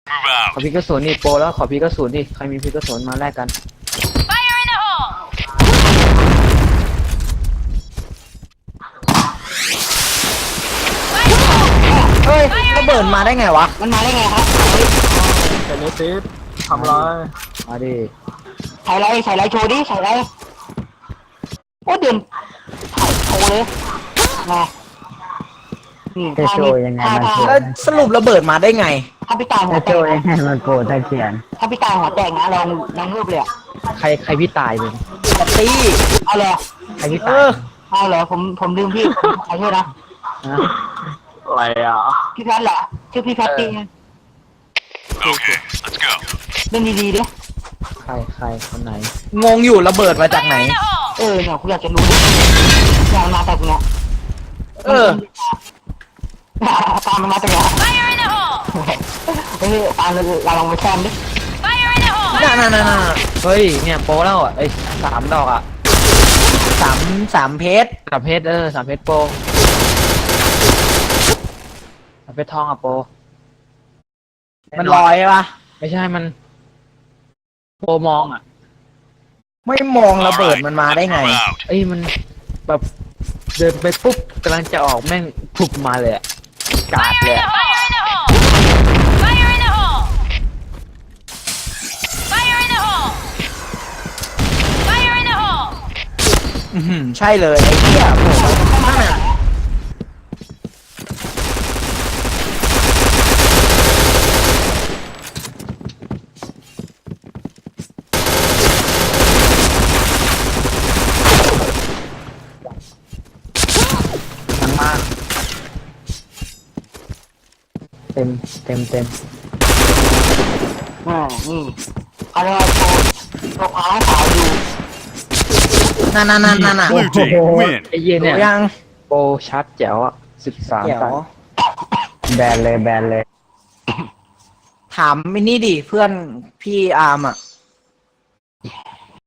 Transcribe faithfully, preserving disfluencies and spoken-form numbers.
ขอพีกระสุนนี่โปรแล้วขอพีกระสุนนี่ใครมีพีกระสุนมาแลกกันเฮ้ยระเบิดมาได้ไงวะมันมาได้ไงครับแต่นี้ซิปทำไรมาดิใส่ไรใส่ไรโชว์ดิใส่ไรโอ้เดินถ่ายโชว์เลยมาอืมจะโชว์ยังไงมันโชว์ถ้าแล้วสรุประเบิดมาได้ไงถ้าพี่ตายหัวจะแตโชกว์ยังไงมันโกรธตะเขียนถ้าพี่ตายหัวแตกนะลองลองรูปเลยอะใครใครพี่ตายเลยปตี้เอาเลยใครพี่เอตายอเอาเลยผมผมลืมพี่ขอโทษนะนะอะไรอ่ะพี่แพทย์เหรอชื่อพี่แพทย์จริง Okay, let's go. เล่นดีๆดิใครใครคนไหนงงอยู่ระเบิดมาจากไหนเออเนี่ยคุณอยากจะรู้ดิอยากมาจากเนี่ยเออตามมันมาจากไหนเฮ้ยตามเราเราลองไปแซมดิน่าน่าน่าน่าเฮ้ยเนี่ยโปรแล้วอ่ะไอ้สามดอกอ่ะสามสามเพชรสามเพชรเออสามเพชรโปรสามเพชรทองอ่ะโปรมันลอยปะไม่ใช่มันโปรมองอ่ะไม่มองระเบิดมันมาได้ไง Move out. เอ้ยมันแบบเดินไปปุ๊บกำลังจะออกแม่งพุบมาเลยอะกาดเลยอะอือหือใช่เลยไอ้เหี้ยโผล่มานั่นน่ะมันมาเต็มเต็มเต็มอ่านี่เขาเรียกว่าโชว์โชว์ขาให้สาวดูนั่นนั่นนั่นนั่นน่ะ Blue team win. ไอ้เหี้ยเนี่ยยังโปรชัดแจ๋วอ่ะสิบสามเดี๋ยวกันแบนเลยแบนเลยถามมินี่ดิเพื่อนพี่อาร์มอ่ะ